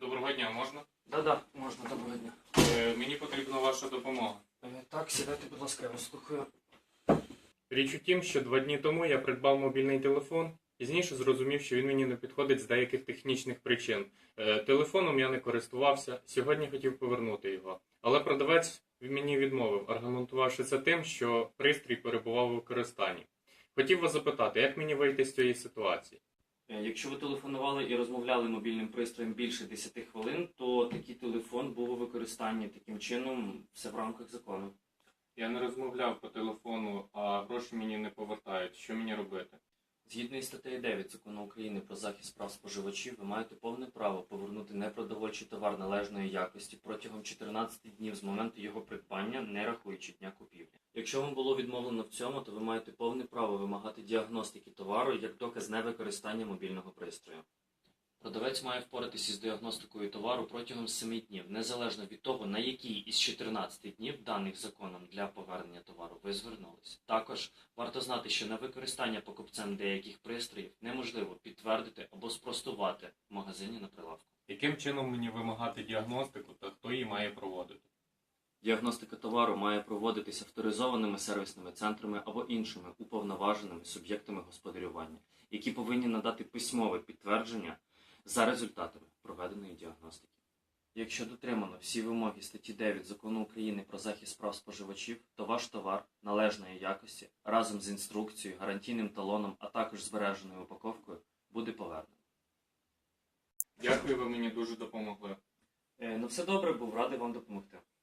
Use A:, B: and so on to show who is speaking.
A: Доброго дня, можна?
B: Да, можна, доброго дня.
A: Мені потрібна ваша допомога.
B: Так, сідайте, будь ласка, я вас слухаю.
A: Річ у тім, що 2 дні тому я придбав мобільний телефон. Пізніше зрозумів, що він мені не підходить з деяких технічних причин. Телефоном я не користувався, сьогодні хотів повернути його. Але продавець мені відмовив, аргументувавши це тим, що пристрій перебував у використанні. Хотів вас запитати, як мені вийти з цієї ситуації?
B: Якщо ви телефонували і розмовляли мобільним пристроєм більше 10 хвилин, то такий телефон був у використанні. Таким чином, все в рамках закону.
A: Я не розмовляв по телефону, а гроші мені не повертають. Що мені робити?
B: Згідно із статтею 9 Закону України про захист прав споживачів, ви маєте повне право повернути непродовольчий товар належної якості протягом 14 днів з моменту його придбання, не рахуючи дня купівлі. Якщо вам було відмовлено в цьому, то ви маєте повне право вимагати діагностики товару як доказ невикористання мобільного пристрою. Продавець має впоратися з діагностикою товару протягом 7 днів, незалежно від того, на який із 14 днів, даних законом для повернення товару, ви звернулись. Також варто знати, що на використання покупцем деяких пристроїв неможливо підтвердити або спростувати в магазині на прилавку.
A: Яким чином мені вимагати діагностику та хто її має проводити?
B: Діагностика товару має проводитися авторизованими сервісними центрами або іншими уповноваженими суб'єктами господарювання, які повинні надати письмове підтвердження за результатами проведеної діагностики. Якщо дотримано всі вимоги статті 9 Закону України про захист прав споживачів, то ваш товар належної якості разом з інструкцією, гарантійним талоном, а також збереженою упаковкою буде повернено.
A: Дякую, ви мені дуже допомогли.
B: Все добре, був радий вам допомогти.